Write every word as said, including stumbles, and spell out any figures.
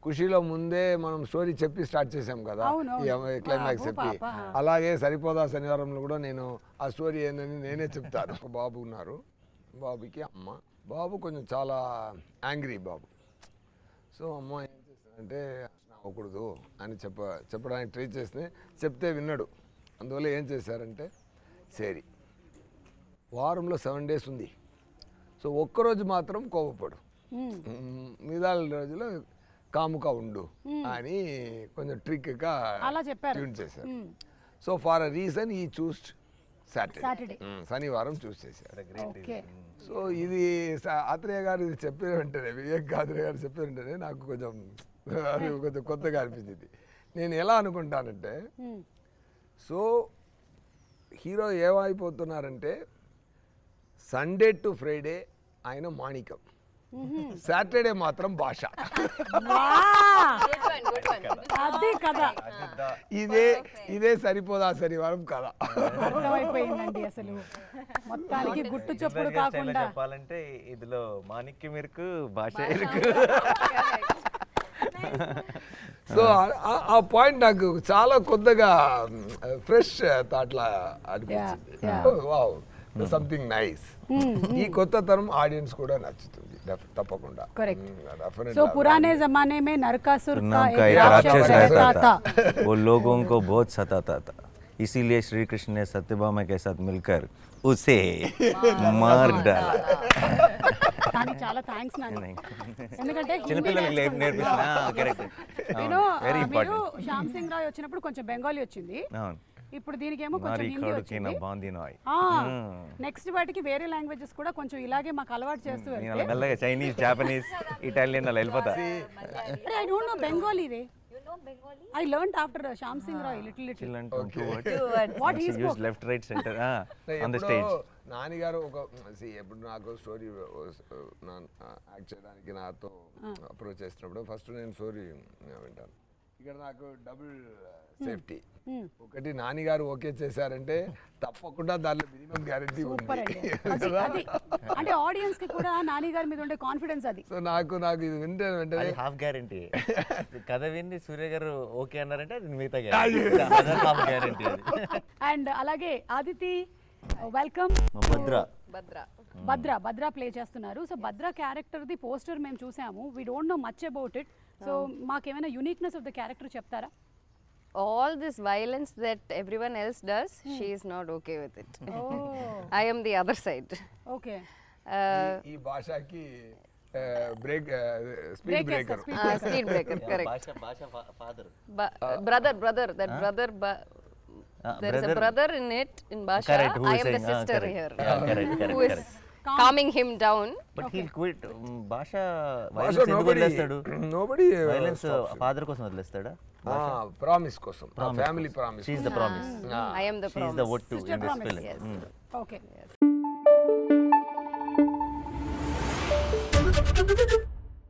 ఖుషీలో ముందే మనం స్టోరీ చెప్పి స్టార్ట్ చేసాం కదా, ఈ క్లైమాక్స్ చెప్పి. అలాగే సరిపోదా శనివారంలో కూడా నేను ఆ స్టోరీ ఏందని నేనే చెప్తాను. ఒక బాబు ఉన్నారు, బాబుకి అమ్మ. బాబు కొంచెం చాలా యాంగ్రీ బాబు. సో అమ్మ ఏం చేస్తానంటే అవ్వకూడదు అని చెప్ప చెప్పడానికి ట్రై చేస్తే చెప్తే విన్నాడు. అందువల్ల ఏం చేశారంటే, సరే వారంలో సెవెన్ డేస్ ఉంది, సో ఒక్కరోజు మాత్రం కోపపడు, మిగతా రోజులో కాముగా ఉండు అని కొంచెం ట్రిక్గా ట్యూన్ చేశారు. సో ఫార్ అ రీజన్ ఈ చూస్ సాటర్డే, శనివారం చూస్ చేశారు. సో ఇది ఆత్రేయ గారు ఇది చెప్పిన వెంటనే, వివేక్ ఆత్రేయ గారు చెప్పిన వెంటనే నాకు కొంచెం అది కొంచెం కొత్తగా అనిపించింది. నేను ఎలా అనుకుంటానంటే, సో హీరో ఏమైపోతున్నారంటే సండే టు ఫ్రైడే ఆయన మాణికం, సాటర్డే మాత్రం భాష. ఇదే ఇదే సరిపోదా శనివారం కదా. అర్థమైపోయిందండి. అసలు మొత్తానికి గుట్టు చప్పుడు కాకుండా చెప్పాలంటే ఇదిలో మాణిక్యం ఇరుకు, భాష ఇరుకు. సో ఆ పాయింట్ నాకు చాలా కొత్తగా ఫ్రెష్ థాట్లా అనిపించింది. Wow, something nice. ఈ కొత్త తరం ఆడియన్స్ కూడా నచ్చుతుంది తప్పకుండా. సో పురానే జమానే में नरकासुर का एक राक्षस रहता था, वो लोगों को बहुत सताता था, इसीलिए श्री कृष्ण ने सत्यभामा के साथ मिलकर उसे मार डाला. కానీ చాలా థాంక్స్ నాన్న, ఎందుకంటే చిన్నపిల్లలకి నేర్పిస్తున్నా. Correct, very important. Shyam Singha Roy వచ్చినప్పుడు కొంచెం బెంగాలీ వచ్చింది, ఇప్పుడు దీనికేమో కొంచెం హిందీ వచ్చింది. నెక్స్ట్ వాటికి వేరే లాంగ్వేజెస్ కూడా కొంచెం ఇలాగే మాకు అలవాటు చేస్తూ వెళ్తే మెల్లగా చైనీస్, జాపనీస్, ఇటాలియన్ అలా వెళ్ళిపోతా. ఐ డోంట్ నో బెంగాలీ రే. I learned after Shyam Singh Roy little little. Okay. What he spoke? Use left, right, center. Ah, on the stage. Nani garu ఒక ఎప్పుడు నాకు స్టోరీ యాక్ట్ చేయడానికి నాతో అప్రోచ్ చేసినప్పుడు ఫస్ట్ నేను స్టోరీ వింటాను. ఇక్కడ నాకు డబుల్ సేఫ్టీ. ఒకటి నాని గారు ఓకే చేశారంటే తప్పకుండా దానిలో మినిమం గ్యారెంటీ ఉంది. అంటే ఆడియన్స్ కి కూడా నాని గారి మీద ఉండే కాన్ఫిడెన్స్ అది. సో నాకు నాకు ఇది వింటే వెంటనే హాఫ్ గ్యారెంటీ. కథ విని సూర్య గారు ఓకే అన్నారంటే అది మిగతా గ్యారెంటీ, హాఫ్ గ్యారెంటీ. అండ్ అలాగే ఆదితి, వెల్కమ్. భద్ర భద్ర భద్ర భద్ర ప్లే చేస్తున్నారు. So Bhadra character the poster మేము చూసాము. We don't know much about it. So మాకేమైనా యూనిక్నెస్ ఆఫ్ ద క్యారెక్టర్ చెప్తారా? All this violence that everyone else does, hmm. she is not okay with it. Oh. I am the other side. Okay. ఈ భాషకి break speed breaker. Ah, speed breaker, correct. భాష భాష father, brother brother that huh? brother ba- uh, there brother, is a brother in it in Basha. Correct, I am saying, the sister uh, here. Yeah, correct, correct, who is correct. calming him down. But okay. he'll quit. భాష భాష violence ఎందుకు వదిలేస్తాడు? Nobody violence father కోసం వదిలేస్తాడా? Promise కోసం, family promise. She is the promise. I am the promise. She is the what to in this film. Yes. Mm. Okay. Yes.